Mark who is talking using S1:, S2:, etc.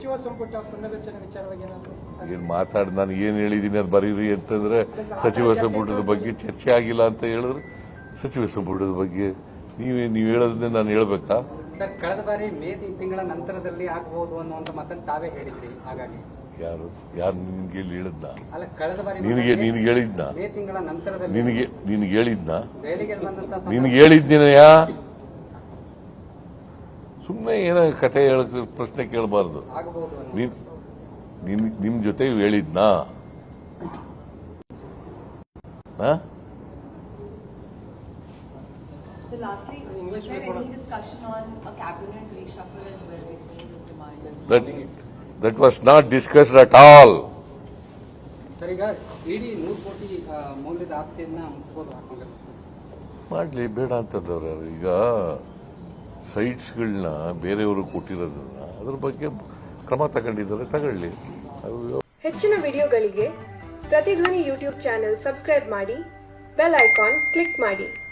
S1: ಸಚಿವ ಸಂಪುಟ ಪುನರ್ರಚನೆ ವಿಚಾರವಾಗಿ
S2: ಏನು ಮಾತಾಡಿ ನಾನು ಏನು ಹೇಳಿದ್ದೀನಿ ಅದು ಬರೀರಿ ಅಂತಂದ್ರೆ ಸಚಿವ ಸಂಪುಟದ ಬಗ್ಗೆ ಚರ್ಚೆ ಆಗಿಲ್ಲ ಅಂತ ಹೇಳಿದ್ರೆ ಸಚಿವ ಸಂಪುಟದ ಬಗ್ಗೆ ನೀವು ಹೇಳೋದನ್ನೇ ನಾನು ಹೇಳ್ಬೇಕಾ?
S3: ಸರ್, ಕಳೆದ ಬಾರಿ ಮೇ ತಿಂಗಳ ನಂತರದಲ್ಲಿ ಆಗಬಹುದು ಅನ್ನುವಂತ ಮಾತನ್ನು ತಾವೇ ಹೇಳಿದ್ರಿ. ಹಾಗಾಗಿ ಯಾರು
S2: ನಿನ್ಗೆ ಹೇಳಿದ್ನ?
S3: ಅಲ್ಲ, ಕಳೆದ ಬಾರಿ
S2: ನಿನಗೆ ಹೇಳಿದ್ನ?
S3: ಮೇ ತಿಂಗಳ ನಂತರದಲ್ಲಿ
S2: ನಿನಗೆ ಹೇಳಿದ್ನ?
S3: ದೆಹಲಿಗೆ ಬಂದಂತ
S2: ನಿನಗೆ ಹೇಳಿದ್ದೀನಯ್ಯ? ಸುಮ್ಮನೆ ಏನೋ ಕತೆ ಹೇಳಕ್ ಪ್ರಶ್ನೆ ಕೇಳಬಾರ್ದು. ನಿಮ್ ಜೊತೆ ಹೇಳಿದ್ನಾ?
S4: So lastly, was there any discussion on a cabinet reshuffle as well? We see this demand.
S2: That was not discussed at all.
S3: ಸರ್, ಈಗ ಇಡೀ 100 ಕೋಟಿ ಮೌಲ್ಯದ ಆಸ್ತಿಯನ್ನ ಮುಟ್ಬೋದು ಹಾಕೊಂಡ್ರೆ
S2: ಮಾಡ್ಲಿ, ಬೇಡ ಅಂತಂದವ್ರು ಯಾರು? ಈಗ ಸೈಟ್ಸ್ಗಳನ್ನ ಬೇರೆಯವರು ಕೊಟ್ಟಿರೋದನ್ನ ಅದ್ರ ಬಗ್ಗೆ ಕ್ರಮ ತಗೊಂಡಿದ್ದಾರೆ, ತಗೊಳ್ಳಿ.
S5: ಹೆಚ್ಚಿನ ವಿಡಿಯೋಗಳಿಗೆ ಪ್ರತಿಧ್ವನಿ ಯೂಟ್ಯೂಬ್ ಚಾನೆಲ್ ಸಬ್ಸ್ಕ್ರೈಬ್ ಮಾಡಿ, ಬೆಲ್ ಐಕಾನ್ ಕ್ಲಿಕ್ ಮಾಡಿ.